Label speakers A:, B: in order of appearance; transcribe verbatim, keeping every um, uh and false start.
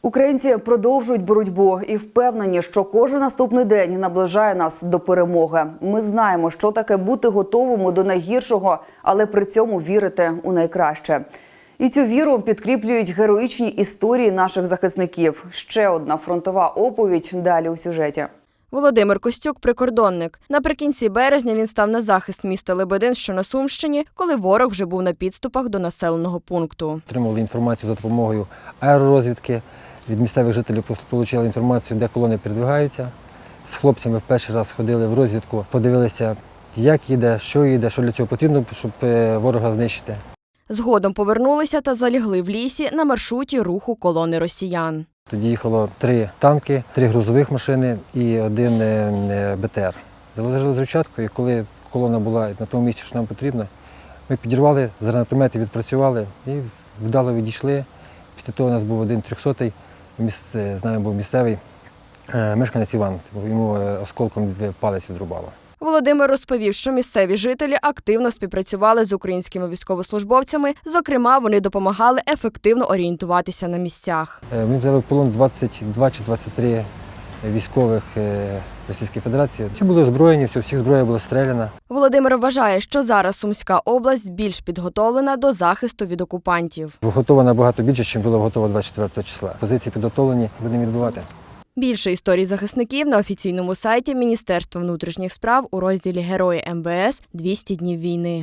A: Українці продовжують боротьбу і впевнені, що кожен наступний день наближає нас до перемоги. Ми знаємо, що таке бути готовими до найгіршого, але при цьому вірити у найкраще. І цю віру підкріплюють героїчні історії наших захисників. Ще одна фронтова оповідь далі у сюжеті.
B: Володимир Костюк – прикордонник. Наприкінці березня він став на захист міста Лебедин, що на Сумщині, коли ворог вже був на підступах до населеного пункту.
C: Отримували інформацію за допомогою аеророзвідки. Від місцевих жителів отримали інформацію, де колони передвигаються. З хлопцями в перший раз ходили в розвідку, подивилися, як їде, що їде, що для цього потрібно, щоб ворога знищити.
B: Згодом повернулися та залягли в лісі на маршруті руху колони росіян.
C: Тоді їхало три танки, три грузових машини і один Б Т Р. Заложили зручатку, і коли колона була на тому місці, що нам потрібно, ми підірвали, з гранатометів відпрацювали і вдало відійшли. Після того у нас був один трьохсотий, з нами був місцевий мешканець Іван, йому осколком палець відрубало.
B: Володимир розповів, що місцеві жителі активно співпрацювали з українськими військовослужбовцями, зокрема, вони допомагали ефективно орієнтуватися на місцях.
C: Ми взяли в полон двадцять два чи двадцять три військових Російської Федерації. Всі були озброєні, всіх зброя була стріляна.
B: Володимир вважає, що зараз Сумська область більш підготовлена до захисту від окупантів.
C: Готова набагато більше, ніж була готова двадцять четвертого числа. Позиції підготовлені, будемо відбивати.
B: Більше історій захисників на офіційному сайті Міністерства внутрішніх справ у розділі «Герої М В С. двісті днів війни».